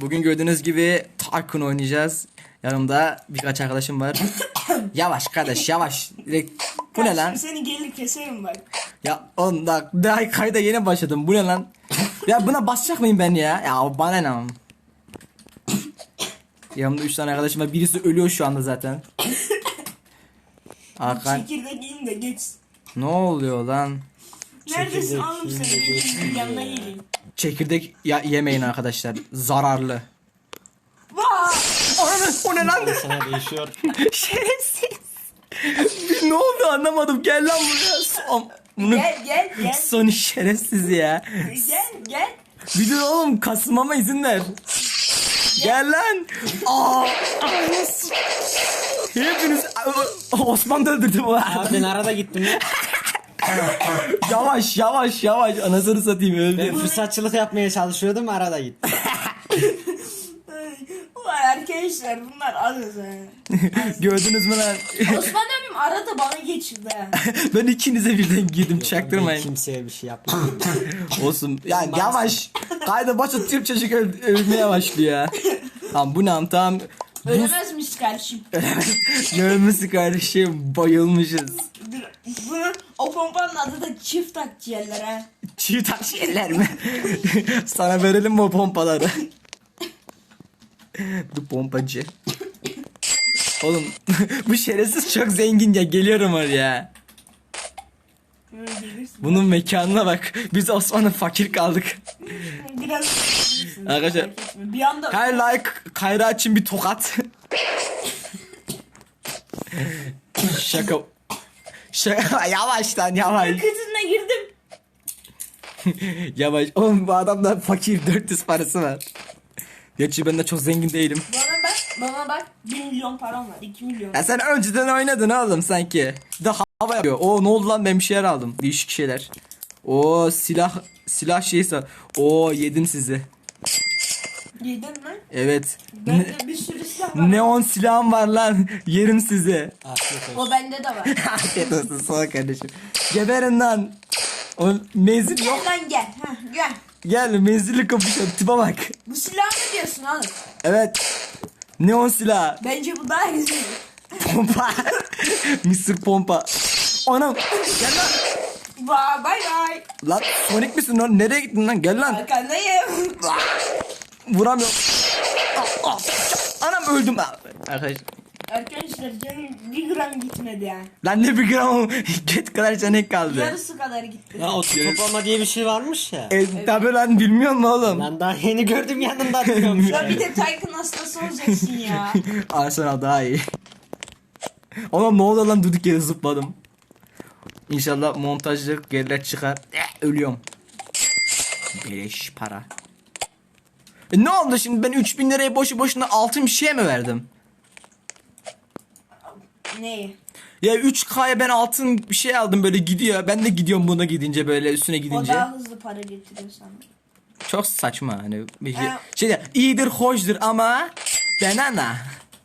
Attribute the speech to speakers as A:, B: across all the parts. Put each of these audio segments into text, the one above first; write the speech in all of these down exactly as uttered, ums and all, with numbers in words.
A: Bugün gördüğünüz gibi Tycoon oynayacağız. Yanımda birkaç arkadaşım var. Yavaş kardeş yavaş. Direkt... Bu ne lan?
B: Seni gelir keserim bak.
A: Ya on da daha kayda yeni başladım. Bu ne lan? Ya buna basacak mıyım ben ya? Ya bana ne? Yanımda üç tane arkadaşım var. Birisi ölüyor şu anda zaten. Hakan.
B: Çekirdek yiyin de geç.
A: Ne oluyor lan?
B: Neredesin oğlum sen? Gelin yanına geleyim.
A: Çekirdek ya yemeyin arkadaşlar. Zararlı.
B: Vaa!
A: Ananı, o ne lan?
C: Sana değişiyor.
A: Şerefsiz. Ne oldu anlamadım. Gel lan buraya. Son. Bunu...
B: Gel gel gel.
A: Son şerefsiz ya.
B: Gel gel.
A: Bir dur oğlum, kasmama izin ver. Gel lan. Aa, hepiniz Osman da öldürdü bu.
C: Abi ben arada gittim ya.
A: Yavaş yavaş yavaş, anasını satayım,
C: Ben
A: öldü.
C: fırsatçılık yapmaya çalışıyordum, arada gittim.
B: Vay arkadaşlar bunlar arız ha.
A: Gördünüz mü lan?
B: Osman abim arada bana geçirdi ha.
A: Ben ikinize birden girdim,
C: Ben
A: çaktırmayın.
C: kimseye bir şey yapmadım.
A: Olsun. Ya yavaş. Kayda başa Türk çocuk öl- ölmeye başlıyor ya. Tamam bu ne tamam.
B: Ölemezmiş kardeşim.
A: Görmesi kardeşim, bayılmışız.
B: Bunun o pompanın adı da çift akciğerler ha.
A: Çiğ taş yerler mi? Sana verelim mi o pompaları? Bu pompacı. Oğlum bu şerefsiz çok zengin ya, geliyorum oraya.
B: Böyle gelirsin.
A: Bunun mekanına bak. Biz Osman'ın fakir kaldık.
B: Biraz
A: Arkadaşlar,
B: bir anda
A: her like Kayra için bir tokat. Şaka. Şaka. Yavaş lan yavaş.
B: kızına girdim.
A: Yavaş. Oğlum bu adamda fakir, dört yüz parası var. Gerçi ben de çok zengin değilim.
B: Bana bak, bana bak. bir milyon param var, iki milyon.
A: Ya sen önceden oynadın oğlum sanki. Bir de hava yapıyor. Oo ne oldu lan, ben bir şeyler aldım. Değişik şeyler. Oo silah silah şeyse. Oo yedim sizi.
B: Yedin mi?
A: Evet. Ne-
B: Bende bir sürü silah var.
A: neon silahım var lan. Yerim sizi.
C: Afiyet olsun.
B: O bende de var.
A: Afiyet olsun sana kardeşim. Geberin lan. O menzil yok.
B: Gel lan gel. Heh, gel.
A: Gel menzilli kapışalım. Tipe bak.
B: Bu silah mı diyorsun oğlum?
A: Evet. Neon silah.
B: Bence bu daha güzel.
A: Pompa. Mısır pompa. Anam. Gel lan.
B: Bye bye bye.
A: Lan Sonic misin lan? Nereye gittin lan? Gel lan.
B: Arkandayım.
A: Vuramıyorum. Ah, ah. Anam öldüm. Ah, arkadaş.
B: Arkadaşlar canım bir gram gitmedi ya.
A: Lan ne bir gram. Get kadar canek kaldı.
B: Yarısı kadar gitti.
C: Ya o toplama diye bir şey varmış ya.
A: E, tabi lan, bilmiyor musun oğlum?
C: Ben daha yeni gördüm, yanında diyormuş.
B: Ya bir de Tycoon hastası olacaksın ya.
A: Arsenal daha iyi. Oğlum ne oldu lan, durduk yere zıpladım. İnşallah montajlık geriler çıkar. Eh, ölüyorum. Beleş para. E ne oldu şimdi, ben üç bin liraya boşu boşuna altın bir şeye mi verdim?
B: Neyi?
A: Ya üç K'ya ben altın bir şey aldım, böyle gidiyor. Ben de gidiyorum buna gidince, böyle üstüne
B: O
A: gidince.
B: daha hızlı para getiriyor sana.
A: Çok saçma hani. Bir şey,
B: Ee,
A: şey de, iyidir hoşdur ama banana.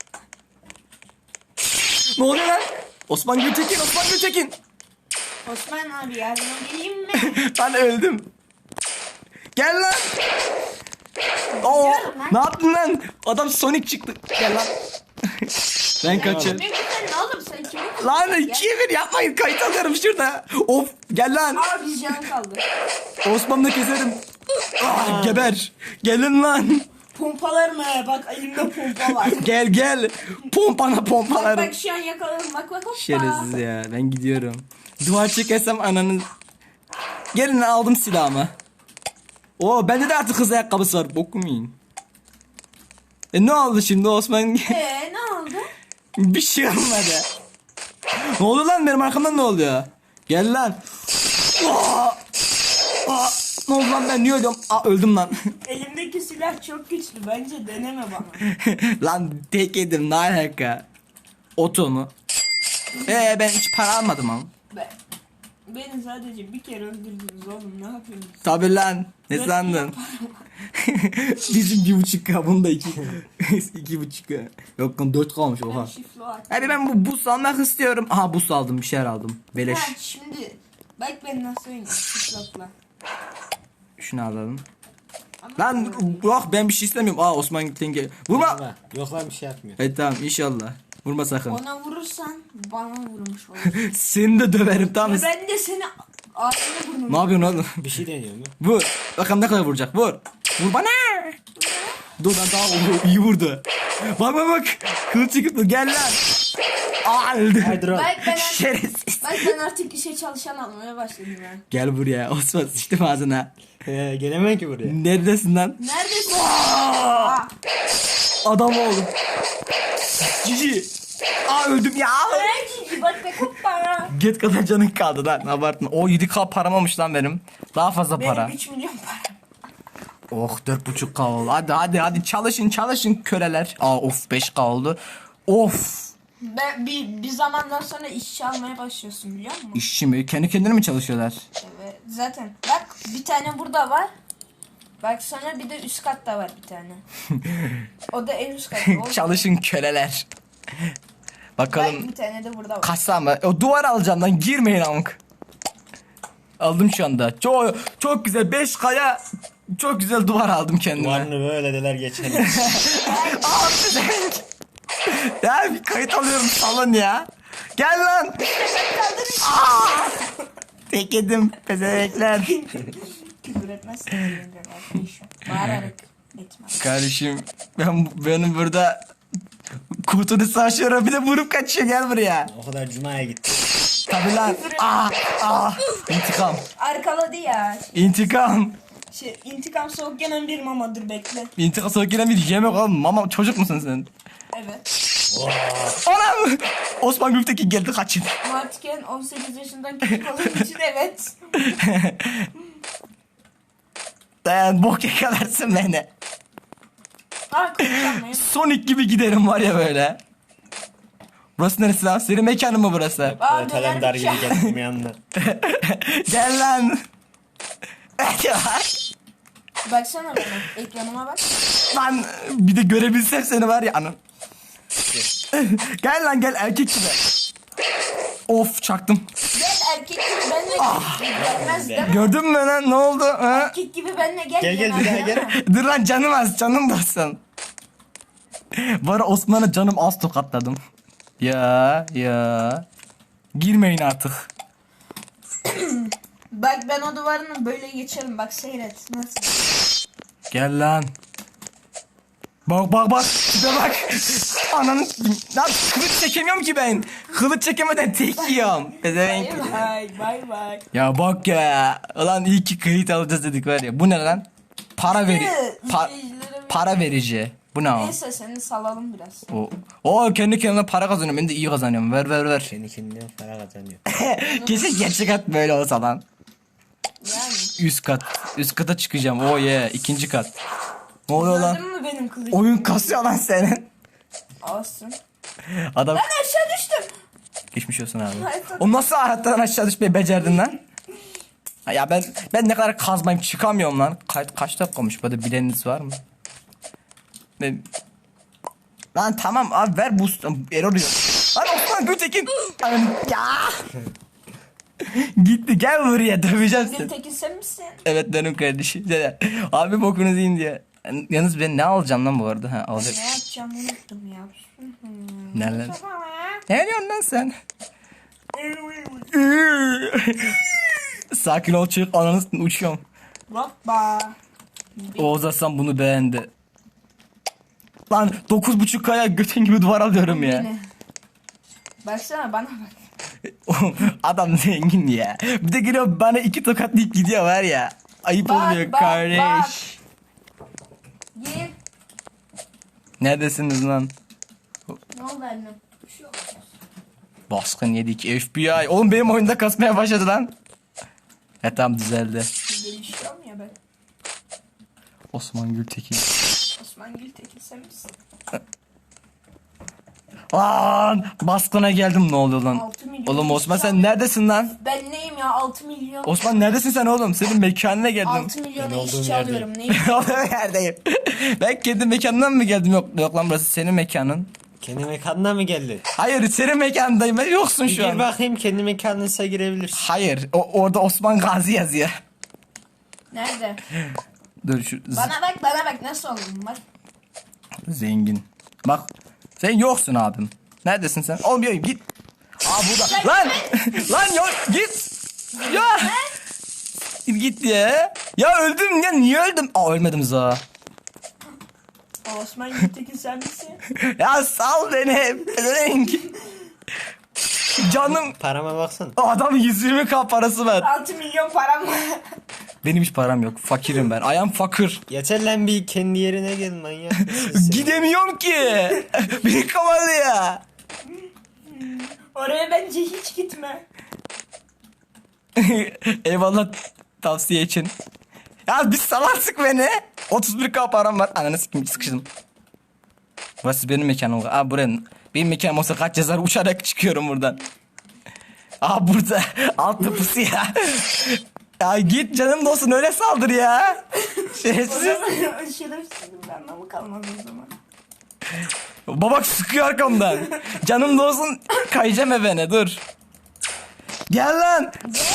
A: Ne oluyor lan? Osman Gültekin, Osman Gültekin.
B: Osman abi yardıma geleyim mi?
A: Ben öldüm. Gel lan. Oo,
B: Geliyorum lan.
A: ne yaptın lan? Adam Sonic çıktı. Gel lan. Ben kaçıyorum.
B: Ne güzel oğlum sen kimi
A: Lan ikiye bir yapmayın, kayıt alıyorum şurada. Of, gel lan.
B: Aa bir can kaldı.
A: Osman'ı keserim. Ah, geber. Gelin lan.
B: Pompalar mı? Bak elimde pompa var.
A: Gel gel. Pompana
B: Bak
A: pompalarım.
B: bak şu an yakaladım. Bak bak hoppa.
A: Şerefsiz ya, ben gidiyorum. Duvar çekersem ananı. Gelin lan, aldım silahımı. Oo bende de artık kız ayakkabısı var. Bokum yiyin. E ne oldu şimdi Osman?
B: Eee ne oldu?
A: Bir şey olmadı. Ne oluyor lan, benim arkamdan ne oluyor? Gel lan. Aa! Aa! Ne oldu lan, ben niye ölüyorum? Aa, öldüm lan.
B: Elimdeki silah çok güçlü. Bence deneme bana.
A: Lan tek yedim, ne alaka? Oto mu? Ee ben hiç para almadım ama.
B: Ben, beni sadece bir kere öldürdünüz oğlum. Ne yapıyorsunuz?
A: Tabi lan, ne
B: Dört
A: sandın? Bizim bir buçuk K, bunun da iki. iki buçuk K. Yok lan, dört kalmış
B: Ben
A: oha.
B: şifre at.
A: Hadi ben bu bus almak istiyorum. Aha bus aldım, bir şeyler aldım. Beleş.
B: Ha şimdi bak ben nasıl oynuyorum şiflatla.
A: Şunu alalım. Lan yok ben bir şey istemiyorum. Aa Osman Gültenge. Vurma.
C: Ama yok lan bir şey yapmıyor.
A: Evet tamam inşallah. Vurma sakın.
B: Ona vurursan bana vurmuş olur.
A: Seni de döverim tamam mı?
B: Ben de seni ağzına vurmuş.
A: Ne yapıyorsun oğlum?
C: Bir şey deniyor mu?
A: Vur. Bakalım ne kadar vuracak. Vur. Vur bana. Dur lan daha o- iyi vurdu. Bak bak bak. Kılıç çıktı. Gel lan. Aa öldü.
C: Haydi oğlum.
B: Bak ben,
A: Şerefsiz.
B: bak ben artık işe çalışan almaya başladım ben.
A: Gel buraya. Osman sıçtım ağzına.
C: Ee, gelemem ki buraya.
A: Neredesin lan?
B: Neredesin? Aa!
A: Adam oğlum. Cici. Aa öldüm ya.
B: Cici bak be kupara.
A: Get kadar canın kaldı lan. Abartma. O yedi k param olmuş lan benim. Daha fazla para.
B: Benim üç milyon param.
A: Oh dört buçuk k oldu. Hadi hadi hadi çalışın çalışın köleler. Aa of beş k oldu. Of.
B: Ben, bir, bir zamandan sonra işçi almaya başlıyorsun biliyor musun?
A: İşçi mi? Kendi kendine mi çalışıyorlar?
B: Evet zaten. Bak bir tane burada var. Bak sonra bir de üst katta var bir tane. O da en üst katta. O-
A: Çalışın köleler.
B: Bak
A: Bakalım
B: bir tane de burada var.
A: kaç saniye. O duvar alacağım lan girmeyin amk. Aldım şu anda. Çok çok güzel beş kaya çok güzel duvar aldım kendime.
C: Duvarını böyle deler geçelim.
A: Aa, pezevenk. Ya bir kayıt alıyorum salın ya. Gel lan. Aa! Tek yedim pezevenkler.
B: Küfür etmezsin. Bağırarak etmem.
A: Kardeşim ben benim burada kutunu saçıyorum bir de vurup kaçıyor gel buraya.
C: O kadar cumaya gitti.
A: Tabi lan. Aa, aa. İntikam.
B: Arkaladı ya.
A: İntikam.
B: Şey, intikam soğuk yenen bir mamadır bekle.
A: İntikam soğuk gelen bir yemek oğlum. Mama çocuk musun sen?
B: Evet.
A: Anam. Osman Gültekin geldi kaçın.
B: Martiken on sekiz yaşından küçük olduğu için evet.
A: Dayan bok yakalarsın beni.
B: Aa konuşamayım.
A: Sonic gibi giderim var ya böyle. Burası neresi lan? Senin mekanın mı burası?
B: Aa
C: Evet kalender gibi
B: döner
C: gelmeyenler.
A: Gel lan.
B: Baksana bana. Ekranıma bak.
A: Lan bir de görebilsem seni var ya anam. Gel lan gel erkek gibi. Of çaktım.
B: Gel erkek gibi benle gel. Gelmez değil mi?
A: Gördün mü lan ne oldu? Ha?
B: Erkek gibi benle gel.
C: Gel, gel, bir daha
B: gelmez
C: gel.
B: değil mi?
A: Dur lan canım az canım basın. Bu ara Osman'a canım az tokatladım. Ya ya. Girmeyin artık.
B: Bak ben o duvarını böyle geçerim. Bak seyret. Nasıl?
A: Gel lan. Bak bak bak. Tipe bak. Ananı. Lan kılıç çekemiyorum ki ben. Kılıç çekemeden tek yiyorum. Pezevenk.
B: Bay bay bay bay.
A: Ya bak ya. Ulan iyi ki kayıt alacağız dedik var ya. Bu ne lan? Para veri. Pa-
B: İzleyicilere-
A: para verici. Bu ne o?
B: Neyse seni salalım biraz.
A: O, o kendi kendine para kazanıyor. Ben de iyi kazanıyorum. Ver ver ver.
C: Kendi kendine para kazanıyor.
A: Kesin gerçek kat böyle olsa lan.
B: Yani.
A: Üst kat. Üst kata çıkacağım. Oh yeah. İkinci kat. Ne oluyor lan?
B: Gördün mü benim kılıcım?
A: Oyun kasıyor lan senin.
B: Olsun.
A: Adam
B: Ben aşağı düştüm.
A: geçmiş olsun abi.
B: Hayır,
A: O nasıl hayattan aşağı düşmeyi becerdin lan? Ya ben ben ne kadar kazmayayım çıkamıyorum lan. Kaç, kaç dakika olmuş? Böyle bileniniz var mı? Ben... Lan tamam abi ver boost. Error diyor. Lan Osman Gültekin. Lan ya. Gitti gel buraya döveceğim
B: Bir
A: seni.
B: tekin sen misin?
A: Evet benim kardeşim. Abi bokunuzu yiyin diye. Yalnız ben ne alacağım lan bu arada? Ha, alacak.
B: Ne yapacağım unuttum ya.
A: Neler? Ne diyorsun lan sen? Sakin ol çık ananı uçuyorum.
B: Hoppa.
A: Oğuz Aslan bunu beğendi. Lan dokuz buçuk kaya götün gibi duvar alıyorum ya.
B: Yine. Baksana bana bak.
A: Adam zengin ya. Bir de geliyor bana iki tokatlayıp gidiyor var ya. Ayıp
B: Bak,
A: oluyor
B: bak,
A: kardeş.
B: Gir.
A: Neredesiniz lan?
B: Ne oldu annem? Bir şey oldu.
A: Baskın yedik F B I. Oğlum benim oyunda kasmaya başladı lan. E tamam düzeldi.
B: Gelişiyorum ya ben.
A: Osman Gültekin.
B: Osman Gültekin sen misin?
A: Lan baskına geldim ne oluyor lan?
B: altı milyon
A: Oğlum Osman sen
B: insan-
A: neredesin lan?
B: Ben neyim ya altı milyon.
A: Osman neredesin sen oğlum? Senin mekanına geldim.
B: altı milyona
C: Ben olduğum
B: işçi
C: yerdeyim.
B: alıyorum neyim?
A: Olduğum yerdeyim. Ben kendi mekanından mı geldim? Yok, yok lan burası senin mekanın.
C: Kendi mekanına mı geldi?
A: Hayır senin mekanındayım. Ben yoksun
C: Bir
A: şu
C: gir
A: an.
C: bakayım kendi mekanınıza girebilirsin.
A: Hayır o, orada Osman Gazi yazıyor.
B: Nerede?
A: Dur şu z-
B: Bana bak bana bak nasıl oldum bak.
A: zengin. Bak sen yoksun abim. Neredesin sen? Olmuyor git. Aa burada. Lan! Lan yok git. Ya! Git ya. Ya öldüm ya niye öldüm? Aa ölmedim za.
B: Osman Gültekin sen misin?
A: Ya sal beni. Renk. Canım.
C: Parama baksana.
A: Adam yüz yirmi bin parası var.
B: altı milyon param var.
A: Benim hiç param yok. Fakirim ben. Ayağım fakir.
C: Yeter lan bir kendi yerine gel manyak. mısın sen?
A: Gidemiyorum ki. Beni kapalı ya.
B: Oraya bence hiç gitme.
A: Eyvallah tavsiye için. Ya bir salarsın beni. otuz bir bin param var. Ananı sikim sıkıştım. Burası benim mekanım. Aa buranın. Benim mekanım olsa kaç yazar uçarak çıkıyorum buradan. Aa burada. Alt tıpısı ya. Ya git canım dostum öyle saldır ya.
B: O
A: Şerefsiz.
B: zaman şerefsizim ben anlamı kalmaz o zaman.
A: Babak sıkıyor arkamdan. Canım dostum kayacağım evine dur. Gel lan.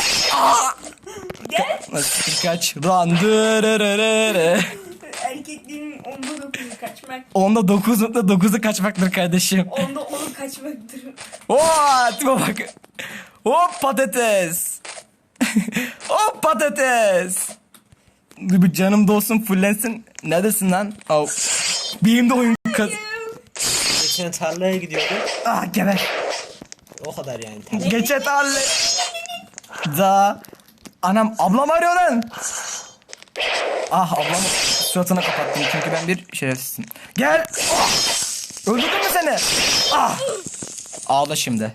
B: Gel.
A: Nasıl kaç? Run. Dırırırırı.
B: Erkekliğin onda dokuzu kaçmak.
A: Onda dokuz nokta dokuzu kaçmaktır kardeşim.
B: Onda onu kaçmaktır.
A: Oo, tipe bak. Hop patates. Hop patates. Bir canım dostum fullensin. Neredesin lan? Au. Benim de oyun kaz...
C: Geçen tarlaya gidiyordum.
A: Ah geber.
C: O kadar yani. Tarla.
A: Geçe tarla. Da. Anam ablam arıyor lan. Ah ablam suratına kapattım çünkü ben bir şerefsizim. Gel. Ah! Öldürdün mü seni? Ah. Ağla şimdi.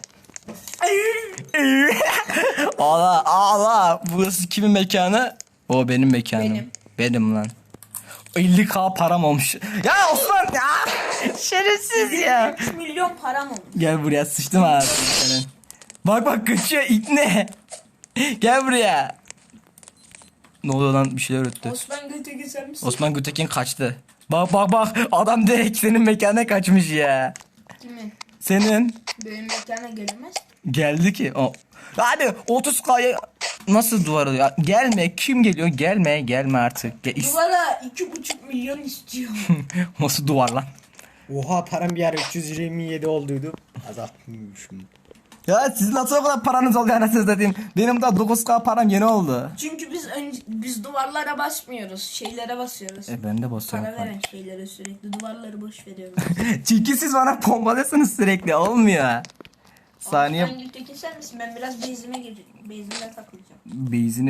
A: Ağla ağla. Burası kimin mekanı? O benim mekanım.
B: Benim.
A: Benim lan. elli bin param olmuş. Ya Osman ya. Şerefsiz ya.
B: üç milyon param olmuş.
A: Gel buraya sıçtım abi senin. Bak bak kaçıyor ne? Gel buraya. Ne oluyor lan bir şeyler öttü.
B: Osman Gültekin sen misin?
A: Osman Gültekin kaçtı. Bak bak bak adam direkt senin mekanına kaçmış ya.
B: Kimin?
A: Senin
B: Benim mekana gelemez.
A: geldi ki o. Hadi otuz kaya nasıl duvarı ya? Gelme kim geliyor? Gelme gelme artık. Gel. is-
B: Duvara iki buçuk milyon istiyor.
A: Nasıl duvar lan?
C: Oha param bir ara üç yüz yirmi yedi olduydu. Azaltmışım.
A: Ya sizin nasıl o kadar paranız oldu anasını satayım. Benim daha dokuz bin param yeni oldu.
B: Çünkü biz önce, biz duvarlara basmıyoruz. Şeylere basıyoruz.
A: E ben de basıyorum.
B: Para veren şeylere sürekli duvarları boş veriyoruz.
A: Çünkü siz bana pombalıyorsunuz sürekli olmuyor. Saniye
B: Osman Gültekin sen misin? Ben biraz bezime gireceğim. Bezime takılacağım.
A: beyzini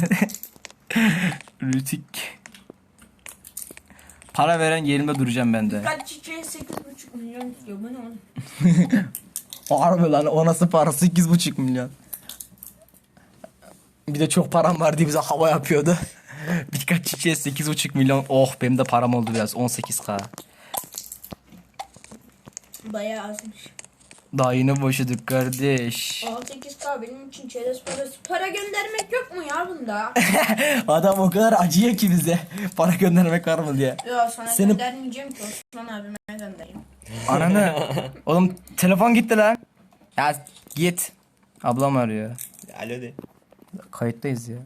A: Rütük para veren yerimde duracağım ben de.
B: Kaç çiçeğe sekiz buçuk milyon istiyor. Bu ne oğlum?
A: Harbi lan o nasıl para sekiz buçuk milyon. Bir de çok param var diye bize hava yapıyordu. Birkaç çiçeğe sekiz buçuk milyon. Oh benim de param oldu biraz on sekiz bin.
B: Bayağı azmış.
A: Daha yeni başladık kardeş.
B: on sekiz K benim için çerez parası. Para göndermek yok mu ya bunda?
A: Adam o kadar acıyor ki bize. Para göndermek var mı diye.
B: Yok sana
A: Senin-
B: göndermeyeceğim ki Osman abime göndereyim.
A: Ananı. Oğlum telefon gitti lan. Ya git. Ablam arıyor.
C: Alo de.
A: Kayıttayız ya.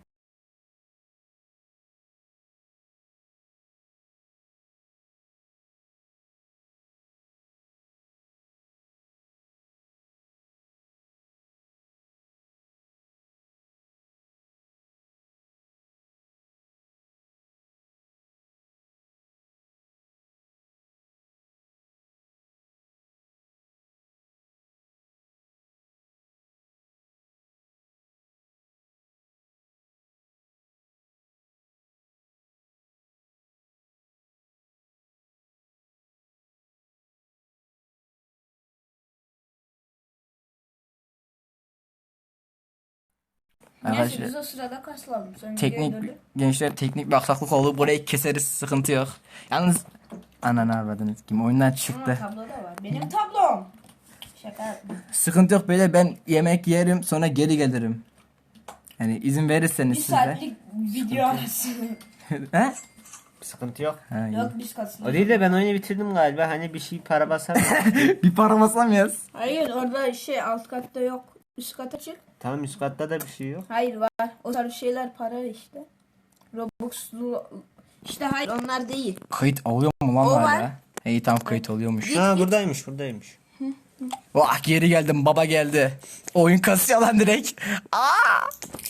B: Neyse
A: Arkadaşlar
B: biz o sırada kaslandım. Sonra
A: teknik
B: videoya döndük.
A: gençler teknik bir aksaklık oldu. Burayı keseriz sıkıntı yok. Yalnız ananı avradınız kim oyundan
B: Ama
A: çıktı.
B: tablo da var. Benim tablom. Şaka yapma.
A: Sıkıntı yok böyle ben yemek yerim sonra geri gelirim. Yani izin verirseniz
B: Bir
A: siz de.
B: saatlik video arası.
A: He?
C: Sıkıntı yok.
A: Ha, iyi.
B: Yok biz
C: O
B: kaslandık.
C: değil de ben oyunu bitirdim galiba. Hani bir şey para basar mı?
A: Bir para basamıyoruz.
B: Hayır orada şey alt katta yok. Üst kata çık.
C: Tamam üst katta da bir şey yok.
B: Hayır var. O tarz şeyler para işte. Robux'lu işte hayır onlar değil.
A: Kayıt alıyor mu lan
B: O
A: hala?
B: var.
A: İyi tamam kayıt alıyormuş.
C: Ha buradaymış buradaymış.
A: Vah geri geldim baba geldi. Oyun kasıyor lan direkt. Aa!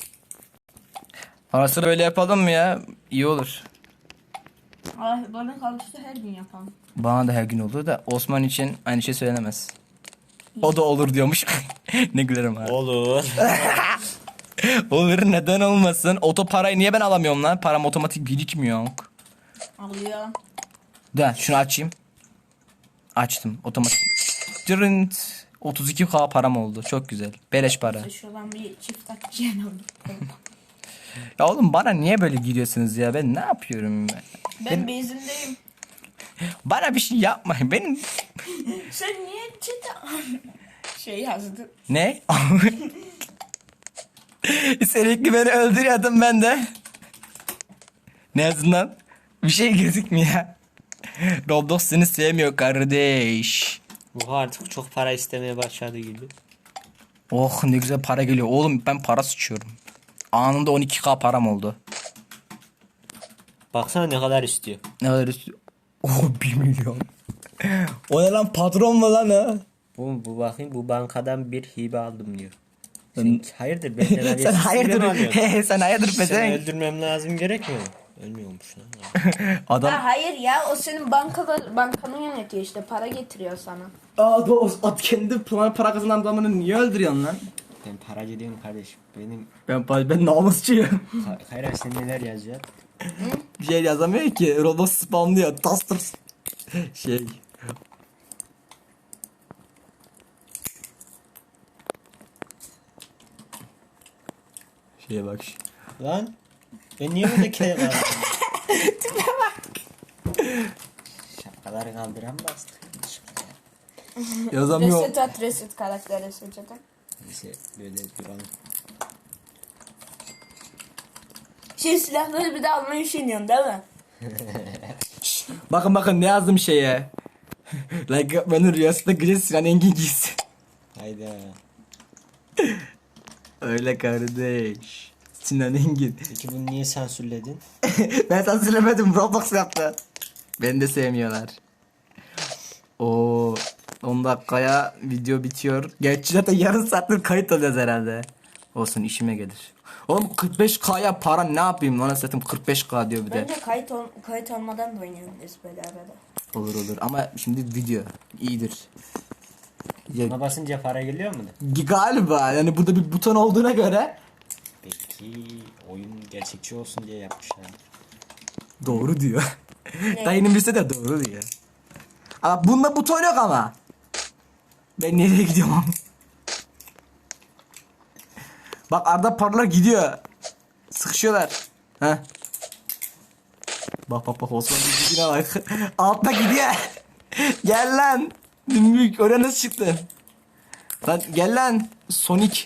A: Ara sıra böyle yapalım mı ya? İyi olur.
B: Ay, bana kalırsa her gün yapalım.
A: Bana da her gün olur da Osman için aynı şey söylenemez. O da olur diyormuş. Ne gülerim ha.
C: Olur.
A: Olur neden olmasın? Oto parayı niye ben alamıyorum lan? Param otomatik birikmiyor.
B: Alıyor.
A: Da şunu açayım. Açtım otomatik. Dırınt. otuz iki K param oldu. Çok güzel. Beleş para.
B: Şuradan bir çift atacağım.
A: Ya oğlum bana niye böyle gidiyorsunuz ya? Ben ne yapıyorum? Ben?
B: Ben bezindeyim.
A: Bana bir şey yapmayın. Benim
B: Sen niye çete şey yazdın?
A: ne? Sürekli beni öldürüyordun ben de. Ne azından bir şey gözükmüyor. Roblox seni sevmiyor kardeş.
C: Bu artık çok para istemeye başladı gibi.
A: Oh ne güzel para geliyor. Oğlum ben para sıçıyorum. Anında on iki K param oldu.
C: Baksana ne kadar istiyor.
A: Ne kadar istiyor? Oh bir milyon. O ne lan patron mu lan ha?
C: Bu, bu bakayım bu bankadan bir hibe aldım diyor. Sen, hayırdır benden habersiz
A: Sen
C: hibe mi
A: hayırdır?
C: alıyorsun?
A: He, sen hayırdır
C: Seni
A: pezevenk.
C: öldürmem lazım gerekmiyor mu? Ölmüyormuş lan.
A: Adam
B: Ha, hayır ya o senin bankada bankanı yönetiyor işte para getiriyor sana.
A: Aa o at kendi para, para kazanan adamını niye öldürüyorsun lan?
C: Ben para gidiyorum kardeşim. Benim
A: Ben ben namusçuyum.
C: Hayır sen neler yazıyor?
A: Bir şey yazamıyor ki. Roblox spamlıyor. Taster şey. Şeye bak.
C: Lan ben niye burada kere kaldım?
B: Tipe bak.
C: Şapkaları kaldıran bastı.
A: Yazamıyor.
B: Reset at reset karakteri seçelim.
C: Neyse böyle duralım.
B: Şey silahları bir de almayı düşünüyorsun değil mi?
A: Bakın bakın ne yazdım şeye. Like benim rüyasında Güneş Sinan Engin giysin.
C: Hayda.
A: Öyle kardeş. Sinan Engin.
C: Peki bunu niye sansürledin?
A: Ben sana söylemedim. Roblox yaptı. Beni de sevmiyorlar. O on dakikaya video bitiyor. Gerçi zaten yarım saattir kayıt alıyoruz herhalde. Olsun işime gelir. Oğlum kırk beş K'ya para ne yapayım lan satayım kırk beş K diyor bir de.
B: Bence kayıt, ol, kayıt olmadan da oynayabiliriz böyle arada.
A: Olur olur ama şimdi video iyidir. Ya,
C: Buna basınca para geliyor mu?
A: galiba yani burada bir buton olduğuna göre
C: Peki oyun gerçekçi olsun diye yapmışlar.
A: doğru diyor. Dayının birisi de doğru diyor. Ama bunda buton yok ama. Ben nereye gidiyorum? Bak arada paralar gidiyor. Sıkışıyorlar. Heh. Bak bak bak Osman gidine bak. Altta gidiyor. Gel lan. Büyük oraya nasıl çıktın? Lan gel lan. Sonic.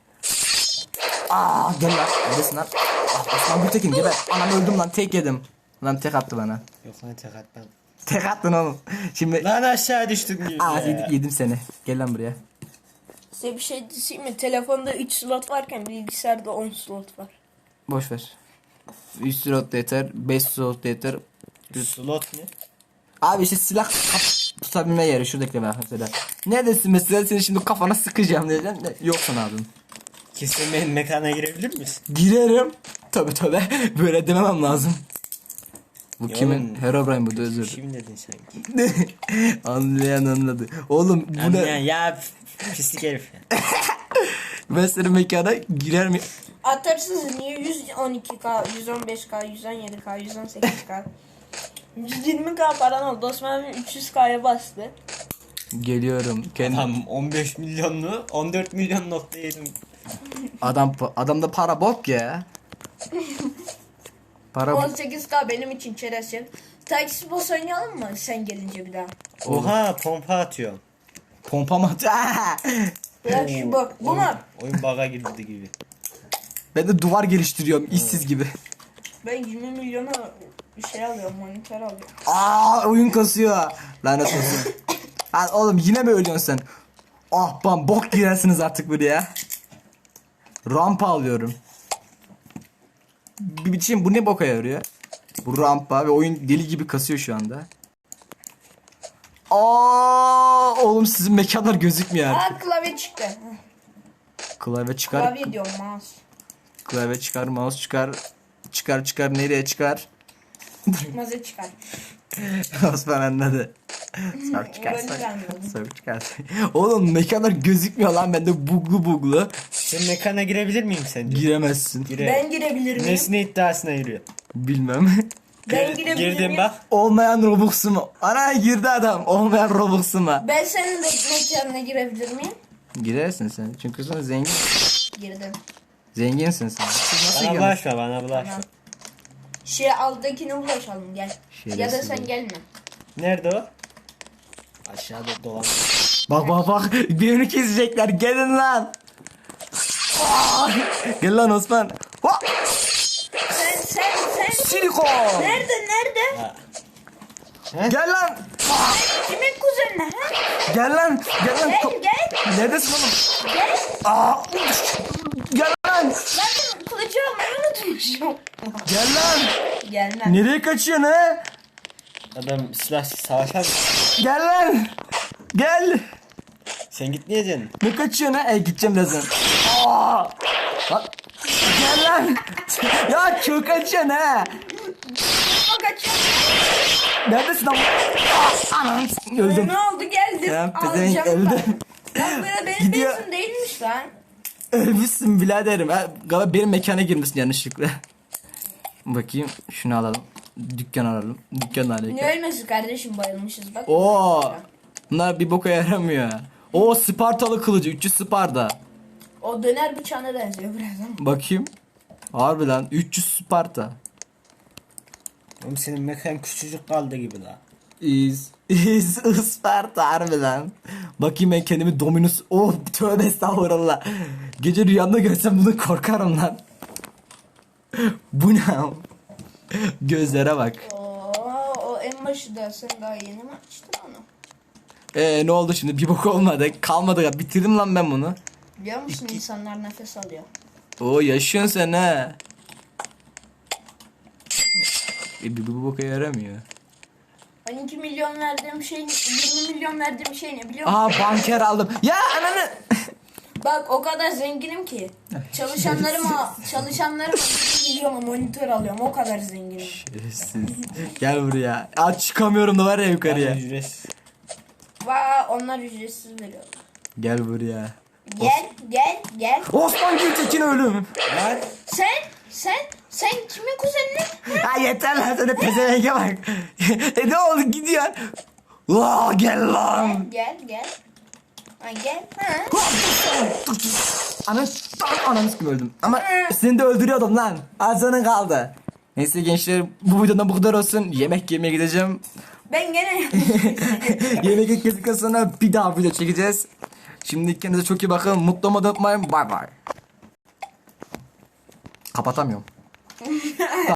A: Aa gel lan. Neredesin lan? Ah, Osman Gültekin geber. Anam öldüm lan tek yedim. Lan tek attı bana.
C: Yok lan tek atmam.
A: Tek attın oğlum. Şimdi
C: Lan aşağı düştüm gibi.
A: Aa, yedim, yedim seni. Gel lan buraya.
B: Size bir şey diyeyim mi? Telefonda üç slot varken bilgisayarda on slot var.
A: Boş ver. üç slot da yeter. beş slot da yeter.
C: Slot ne?
A: Abi işte silah kap- tutabilme yeri. Şuradaki bak mesela. Neredesin mesela seni şimdi kafana sıkacağım diyeceğim. De, yoksun abim.
C: Kesin benim mekana girebilir misin?
A: Girerim. Tabi tabi. Böyle dememem lazım. Bu
C: Ya
A: kimin?
C: oğlum,
A: Herobrine bu da özür.
C: Kim dedin sanki?
A: Anlayan anladı. Oğlum bu
C: Anlayan
A: ne?
C: ya pislik herif ya.
A: Ben senin mekana girer mi?
B: Atarsınız niye yüz on iki K, yüz on beş K, yüz on yedi K, yüz on sekiz K, yüz yirmi K paran oldu. Osman abi üç yüz K'ya bastı.
A: Geliyorum. Kendim.
C: Tam on beş milyonlu on dört milyon nokta yedim.
A: Adam adamda para bok ya. Para
B: on sekiz K benim için çerezsiz. Taksi boss oynayalım mı sen gelince bir daha?
C: Oha pompa atıyorum.
A: pompa mı atıyor?
B: Ya şu bak bu mu?
C: Oyun bug'a girdi gibi.
A: Ben de duvar geliştiriyorum işsiz gibi.
B: Ben yirmi milyona bir şey alıyorum, monitör alıyorum.
A: Aa oyun kasıyor. Lanet olsun. Lan oğlum yine mi ölüyorsun sen? Ah bam bok girersiniz artık buraya. Rampa alıyorum. bir biçim bu ne boka yarıyor? Bu rampa ve oyun deli gibi kasıyor şu anda. Aa, oğlum sizin mekanlar gözükmüyor artık.
B: Aa klavye çıktı.
A: Klavye çıkar.
B: Klavye diyorum mouse.
A: Klavye çıkar, mouse çıkar. Çıkar çıkar nereye çıkar?
B: Çıkmazı çıkar.
A: Osman anladı. Sok çıkar,
B: Öyle
A: sok,
B: anladım.
A: sok çıkar. Oğlum mekanlar gözükmüyor lan bende buglu buglu.
C: Sen mekana girebilir miyim sence?
A: Giremezsin.
C: Gire.
B: Ben girebilir miyim?
C: Nesne iddiasına yürüyor.
A: Bilmem.
B: Ben girebilir
C: Girdim
B: miyim?
C: bak.
A: Olmayan Robux'u mu? Ana girdi adam. Olmayan Robux'u mu?
B: Ben senin de mekanına girebilir miyim?
A: Girersin sen. Çünkü sen zengin.
B: Girdim.
A: Zenginsin sen. Siz nasıl
C: Bana
A: giremezsiniz?
C: bulaşma bana bulaşma.
B: Tamam. Şey alttakine bulaşalım gel. Ya da
A: Şerefsiz
B: sen
A: bu.
B: gelme.
C: Nerede o? Aşağıda dolan.
A: Bak bak bak. Birini kesecekler. Gelin lan. Aa! Gel lan Osman. Ha!
B: Sen sen sen.
A: Silikon.
B: Nerede nerede?
A: Gel lan.
B: Kimin kuzenine ha?
A: Gel lan. Gel lan.
B: Gel gel
A: Neredesin oğlum?
B: gel.
A: Aa! Gel lan.
B: Ben kılıcı almayı unutmuşum.
A: Gel lan.
B: Gelmem.
A: Nereye kaçıyorsun ha?
C: Adam silahsız savaşar mı?
A: Gel lan. Gel.
C: Sen gitmeyeceksin.
A: Ne kaçıyorsun ha? E gideceğim birazdan. Aa! Bak. Gel lan. Ya çok kaçıyorsun ha.
B: O kaçıyor.
A: Neredesin lan? Aa, anam. Öldüm.
B: Ne oldu geldim.
A: Ya pezevenk
B: Alacağım
A: öldü.
B: ben. Lan böyle benim
A: Gidiyor.
B: benzin değilmiş lan.
A: Ölmüşsün biraderim. Ha, galiba benim mekana girmişsin yanlışlıkla. Bakayım şunu alalım. Dükkan alalım. Dükkan alalım.
B: Ne ölmesi kardeşim bayılmışız bak.
A: Oo. Bunlar bir boka yaramıyor. O Spartalı kılıcı üç yüz Sparta.
B: O döner bıçağına benziyor biraz ama.
A: Bakayım. Harbi lan üç yüz Sparta.
C: Oğlum senin mekan küçücük kaldı gibi la.
A: İz. İz Isparta harbi lan. Bakayım ben kendimi Dominus. Oh tövbe estağfurullah. Gece rüyamda görsem bunu korkarım lan. Bu ne? Gözlere bak.
B: Oo, o en başı da sen daha yeni mi açtın onu?
A: Ee ne oldu şimdi? Bir bok olmadı. Kalmadı ya. Bitirdim lan ben bunu.
B: Biliyor musun insanlar nefes alıyor.
A: Oo yaşıyorsun sen ha. E, bir bu boka yaramıyor.
B: Ben iki milyon verdiğim şey, yirmi milyon verdiğim şey ne biliyor musun?
A: Aha banker aldım. Ya ananı.
B: Bak o kadar zenginim ki. Çalışanlarıma, çalışanlarıma bir milyona monitör alıyorum. O kadar zenginim.
A: Şerefsiz. Gel buraya. Aç çıkamıyorum da var ya yukarıya.
C: Yani ücretsiz.
B: Vaa onlar ücretsiz veriyor.
A: Gel buraya.
B: Gel, gel, gel.
A: Osman Gültekin ölüm.
C: Lan
B: Sen, sen, sen kimin kuzenini?
A: Ha yeter lan sana pezevenge bak. e ne oldu gidiyorsun? Vaa gel lan.
B: Gel, gel. Ha, gel. Ha.
A: Ananı ananı kim öldüm. Ama seni de öldürüyordum lan. Azanın kaldı. Neyse gençler bu videodan bu kadar olsun. Yemek yemeye gideceğim.
B: Ben gene
A: Yemek yedikten sonra bir daha video çekeceğiz. Şimdi kendinize çok iyi bakın. Mutlu olmayı unutmayın. Bay bay. Kapatamıyorum.